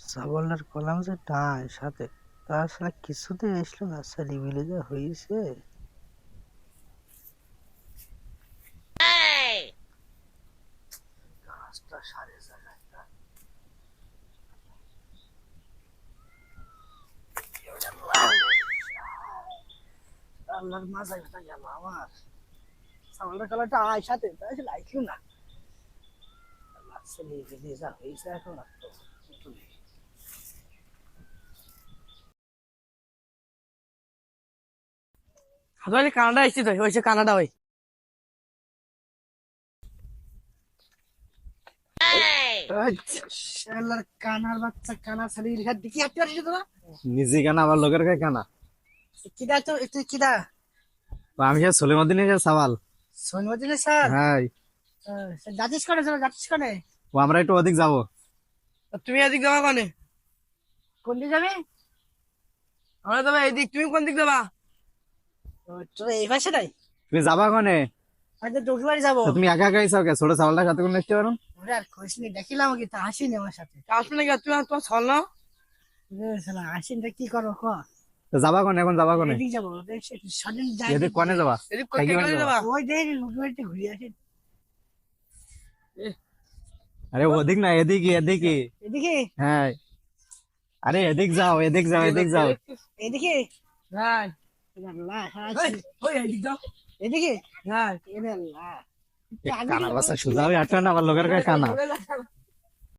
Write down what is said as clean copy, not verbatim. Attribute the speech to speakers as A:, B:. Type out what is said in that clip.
A: সাবলটার column যে টাই সাথে তাছাড়া কিছুতে আসলো না সারি মিলে যা হয়েছে। কাজটা সারে জায়গায় আল্লাহর মাথায় ব্যথা গেল আমার। সাবলটার কলামটা আয় সাথে তাই লাগলো না। আল্লাহ সারি মিলে যা হয়েছে এখন আর তো
B: হাজারে কানাডা এসেছি তো হয়েছে কানাডা ওই
A: শালার কানার বাচ্চা কানা সারি রেখা দেখি হাঁটতে পারছিস তোরা?
C: নিজে কেনা আবার লোকের কাছে কেনা
A: কিডা তো তুই কিডা?
C: আমি সে সলিমুদ্দিন সাওয়াল।
A: সোনমদিনে স্যার?
C: হ্যাঁ,
A: যাচ্ছিস করে চলো যাচ্ছিস করে?
C: ও আমরা একটু ওদিক যাবো।
B: তুমি এদিক যাবা কোনে?
A: কোন দিকে যাবি?
B: আমরা যাবো এইদিক, তুমি কোন দিক যাবা?
A: তোরা এই পাশে নাই?
C: তুমি যাবা কনে?
A: হয়তো তোর বাড়ি যাবো।
C: তো তুমি একা একাই চাও কে? ছোট চাওয়ালটার সাথে কোনো আসতে পারো?
A: ওরে আর কইসনি দেখিলাম কি তা আসিনি আমার সাথে।
B: আসবে নাকি? তুমি তোমার ছল না?
A: শালা আসিনি কি করো ক?
C: তো যাবা কনে? এখন যাবা কনে?
A: এদিক যাবো সদিন যাই।
C: এদিক কনে যাবা?
B: এদিক
C: কাকি
B: কোন
C: বাড়ি
B: যাবা?
A: ওই দেখ লোকের বাড়িতে ঘুরে আসি।
C: আরে ওদিক না, এদিকে এদিকে।
A: এদিকে?
C: হ্যাঁ, আরে এদিক যাও, এদিক যাও, এদিক যাও।
A: এদিকে?
B: হ্যাঁ
A: আল্লাহ
B: ওই এদিক যাও।
A: এদিকে?
B: হ্যাঁ
A: এরে আল্লাহ
C: কানা বাসা সোজা হয়ে আটটা না আবার লোকের কাছে কানা।